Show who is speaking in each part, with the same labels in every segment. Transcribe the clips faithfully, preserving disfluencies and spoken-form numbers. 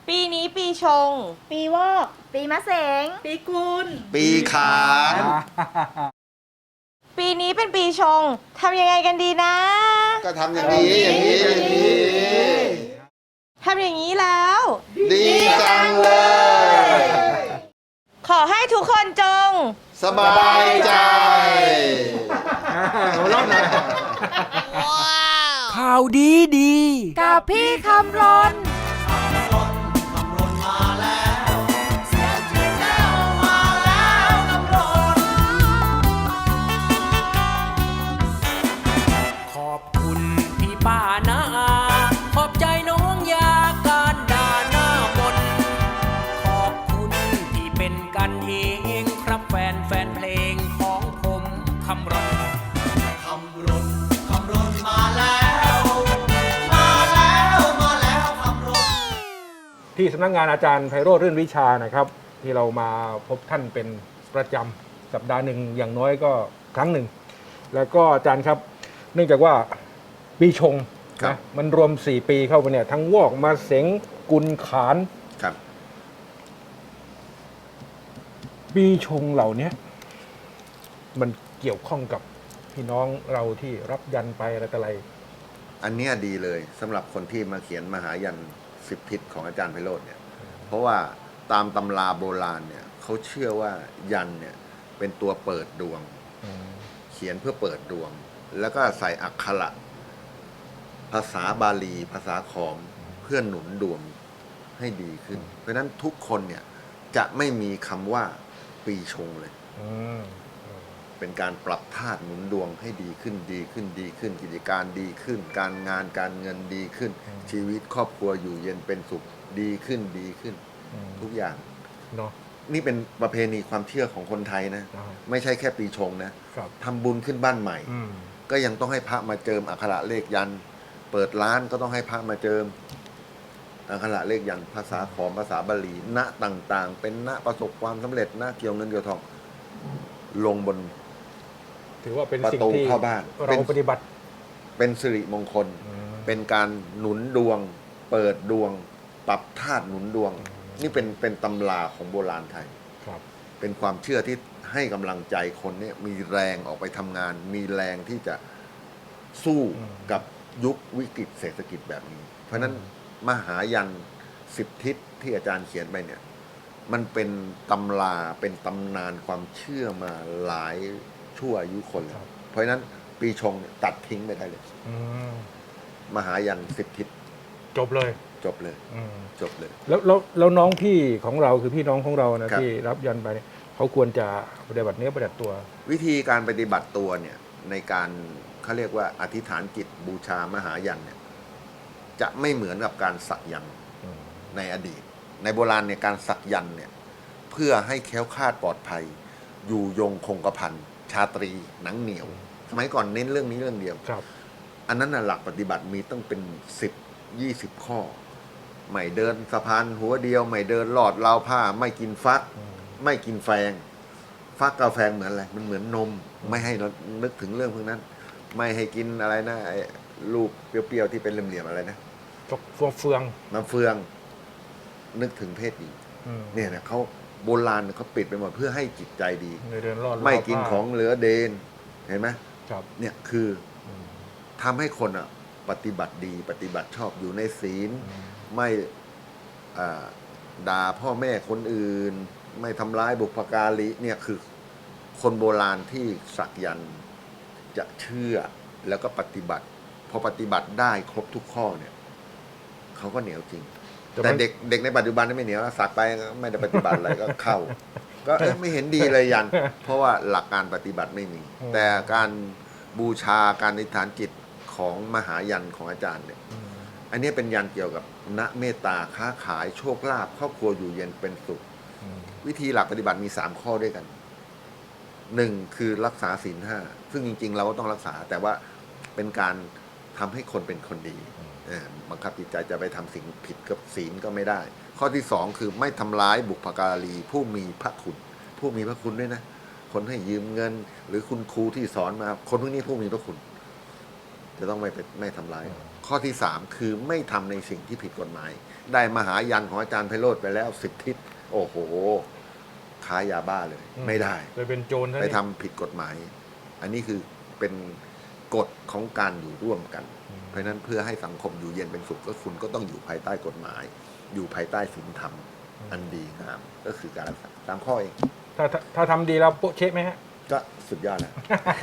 Speaker 1: ปีนี้ปีชง
Speaker 2: ปีวอก
Speaker 3: ปีมะเสง
Speaker 2: ปีกุล
Speaker 4: ปีขาน
Speaker 1: ปีนี้เป็นปีชงทำยังไงกันดีนะ
Speaker 4: ก็ทำอย่างนี้อย่างนี้อย่างนี้
Speaker 1: ทำอย่างนี้แล้ว
Speaker 4: ดีจังเลย
Speaker 1: ขอให้ทุกคนจง
Speaker 4: สบายใจ
Speaker 5: หัวเราะหน่อย
Speaker 6: ข่าวดีดี
Speaker 3: กับพี่คำรน
Speaker 6: ขอบคุณพี่ป้านาอาขอบใจน้องยาการด่าหน้ามนต์ขอบคุณที่เป็นกันเองครับแฟนแฟนเพลงของผมคำรณ
Speaker 5: ที่สำนักงานอาจารย์ไพโรจน์รื่นวิชานะครับ ที่เรามาพบท่านเป็นประจำสัปดาห์หนึ่งอย่างน้อยก็ครั้งหนึ่ง แล้วก็อาจารย์ครับ เนื่องจากว่าปีชง
Speaker 4: ครับ
Speaker 5: นะมันรวมสี่ปีเข้าไปเนี่ยทั้งวอกมาเสงกุลขาน
Speaker 4: ครับ
Speaker 5: ปีชงเหล่านี้มันเกี่ยวข้องกับพี่น้องเราที่รับยันไปอะไรต่ออะไร
Speaker 4: อันเนี้ยดีเลยสำหรับคนที่มาเขียนมหายันสิบทิศของอาจารย์ไพโรจน์เนี่ย เพราะว่าตามตำราโบราณเนี่ยเขาเชื่อว่ายันเนี่ยเป็นตัวเปิดดวง เขียนเพื่อเปิดดวง แล้วก็ใส่อักขระภาษาบาลี ภาษาขอมเพื่อหนุนดวงให้ดีขึ้น เพราะฉะนั้นทุกคนเนี่ยจะไม่มีคำว่าปีชงเลย
Speaker 5: อืม
Speaker 4: เป็นการปรับธาตุหนุนดวงให้ดีขึ้นดีขึ้นดีขึ้น กิจการดีขึ้น การงานการเงินดีขึ้น ชีวิตครอบครัวอยู่เย็นเป็นสุขดีขึ้นดีขึ้น
Speaker 5: อืม
Speaker 4: ทุกอย่าง
Speaker 5: เนาะ
Speaker 4: นี่เป็นประเพณีความเชื่อของคนไทยนะ
Speaker 5: อ่า
Speaker 4: ไม่ใช่แค่ปีชงนะครับ ทำบุญขึ้นบ้านใหม่
Speaker 5: อืม
Speaker 4: ก็ยังต้องให้พระมาเจิมอักขระเลขยันต์เปิดร้านก็ต้องให้พระมาเจิมอักขระเลขยันต์ภาษาขอมภาษาบาลีณต่างๆ เป็นณประสบความสำเร็จณเกี่ยวเงินเกี่ยวทองลงบน
Speaker 5: ถือว่าเป็น
Speaker 4: ประ
Speaker 5: สิ่ง
Speaker 4: ตู
Speaker 5: ที่
Speaker 4: เข้าบ้าน
Speaker 5: เรา
Speaker 4: เป็น
Speaker 5: ปฏิบัติ
Speaker 4: เป็นสิริมงคล
Speaker 5: อืม
Speaker 4: เป็นการหนุนดวง เปิดดวง ปรับธาตุหนุนดวง นี่เป็นเป็นตำราของโบราณไทย
Speaker 5: ครับ
Speaker 4: เป็นความเชื่อที่ให้กำลังใจคนเนี่ยมีแรงออกไปทำงาน มีแรงที่จะสู้
Speaker 5: อืม
Speaker 4: กับยุควิกฤตเศรษฐกิจแบบนี้ เพราะฉะนั้นมหายันสิบทิศที่อาจารย์เขียนไปเนี่ย มันเป็นตำราเป็นตำนานความเชื่อมาหลายชั่วอายุคนแล้วเพราะฉะนั้นปีชงเนี่ยตัดทิ้งไม่ได้เลย
Speaker 5: อืม
Speaker 4: มหายันสิบทิศ
Speaker 5: จบเลย
Speaker 4: จบเลย
Speaker 5: อืม
Speaker 4: จบเลย
Speaker 5: แล้วแล้วแล้วน้องพี่ของเราคือพี่น้องของเรานะครับ ที่รับยันไปเนี่ยเขาควรจะปฏิบัติเนื้อปฏิบัติตัว
Speaker 4: วิธีการปฏิบัติตัวเนี่ยในการเขาเรียกว่าอธิษฐานจิตบูชามหายันเนี่ยจะไม่เหมือนกับการสักยันต์
Speaker 5: อืม
Speaker 4: ในอดีต ในโบราณเนี่ยการสักยันต์เนี่ยเพื่อให้แคล้วคลาดปลอดภัย อยู่ยงคงกระพันชาตรีหนังเหนียว สมัยก่อนเน้นเรื่องนี้เรื่องเดียว
Speaker 5: ครับ
Speaker 4: อันนั้นน่ะหลักปฏิบัติมีต้องเป็นสิบยี่สิบข้อ ไม่เดินสะพานหัวเดียว ไม่เดินลอดราวผ้า ไม่กินฟัก
Speaker 5: อืม
Speaker 4: ไม่กินแฟง ฟักกาแฟเหมือนอะไร มันเหมือนนม ไม่ให้เรานึกถึงเรื่องพวกนั้น ไม่ให้กินอะไรนะไอ้ลูกเปรี้ยวๆที่เป็นเหลี่ยมๆอะไรนะ
Speaker 5: จกฟัวเฟือง
Speaker 4: น้ำเฟือง นึกถึงเพศหญิง
Speaker 5: อืม
Speaker 4: เนี่ยนะเขาโบราณเนี่ยเขาปิดไปหมดเพื่อให้จิตใจดี
Speaker 5: ในเดินรอด
Speaker 4: ไม่กิน
Speaker 5: รบ
Speaker 4: ของเหลือเดน เห็นไหม
Speaker 5: ครับ
Speaker 4: เนี่ยคือ
Speaker 5: อืม
Speaker 4: ทำให้คนอ่ะปฏิบัติดีปฏิบัติชอบอยู่ในศีล
Speaker 5: อืม
Speaker 4: ไม่อ่าด่าพ่อแม่คนอื่น ไม่ทำร้ายบุพการีเนี่ยคือคนโบราณที่สักยันต์จะเชื่อแล้วก็ปฏิบัติพอปฏิบัติได้ครบทุกข้อเนี่ยเขาก็เหนียวจริง แต่เด็กเด็กในปัจจุบันนี่ไม่เหนียวสักไปไม่ได้ปฏิบัติอะไรก็เข้า ก็เอ๊ะไม่เห็นดีเลยยัน เพราะว่าหลักการปฏิบัติไม่มี แต่การบูชาการอธิษฐานจิตของมหายันของอาจารย์เนี่ย
Speaker 5: อืม
Speaker 4: อันนี้เป็นยันเกี่ยวกับณเมตตาค้าขายโชคลาภครอบครัวอยู่เย็นเป็นสุข
Speaker 5: อืม
Speaker 4: วิธีหลักปฏิบัติมีสามข้อด้วยกันหนึ่งคือรักษาศีลห้าซึ่งจริง ๆ เราก็ต้องรักษา แต่ว่าเป็นการทำให้คนเป็นคนดีเออบังคับจิตใจจะไปทำสิ่งผิดกับศีลก็ไม่ได้ ข้อที่สองคือไม่ทำร้ายบุพการีผู้มีพระคุณ ผู้มีพระคุณด้วยนะ คนให้ยืมเงิน หรือคุณครูที่สอนมา คนพวกนี้ผู้มีพระคุณ จะต้องไม่ไปไม่ทำร้ายข้อที่สามคือไม่ทำในสิ่งที่ผิดกฎหมาย ได้มหายันของอาจารย์ไพโรธไปแล้วสิบทิศโอ้โหค้ายาบ้าเลย ไม่ได้
Speaker 5: เลยเป็นโจรซะ
Speaker 4: ไป
Speaker 5: นี่
Speaker 4: ทำผิดกฎหมาย อันนี้คือเป็นกฎของการอยู่ร่วมกัน เพราะฉะนั้นเพื่อให้สังคมอยู่เย็นเป็นสุขก็คุณก็ต้องอยู่ภายใต้กฎหมาย อยู่ภายใต้ศีลธรรมอันดีงามก็คือการรักษาตามข้อเอง
Speaker 5: ถ้าถ้าถ้าทำดีแล้วโป๊ะเช๊ะไหมฮะ
Speaker 4: ก็สุดยอดแล้ว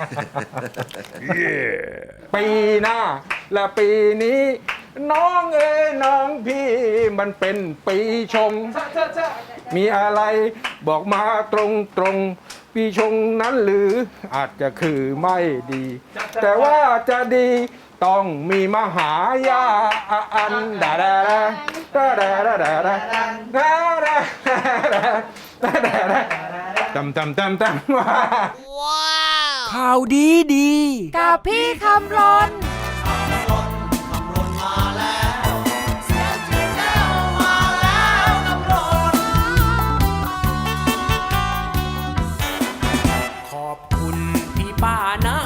Speaker 5: ปีหน้า และปีนี้ น้องเอ้ยน้องพี่มันเป็นปีชง มีอะไรบอกมาตรงตรงๆปีชงนั้นหรืออาจจะคือไม่ดี แต่ว่าจะดีต้องมีมหายาอันดาดาดาดาดาดาดาดาดาดาดาดาดาตำตำตำตำ
Speaker 6: ข่าวดีดี
Speaker 3: กับพี่คำรน
Speaker 6: ขอบคุณพี่ป้านะ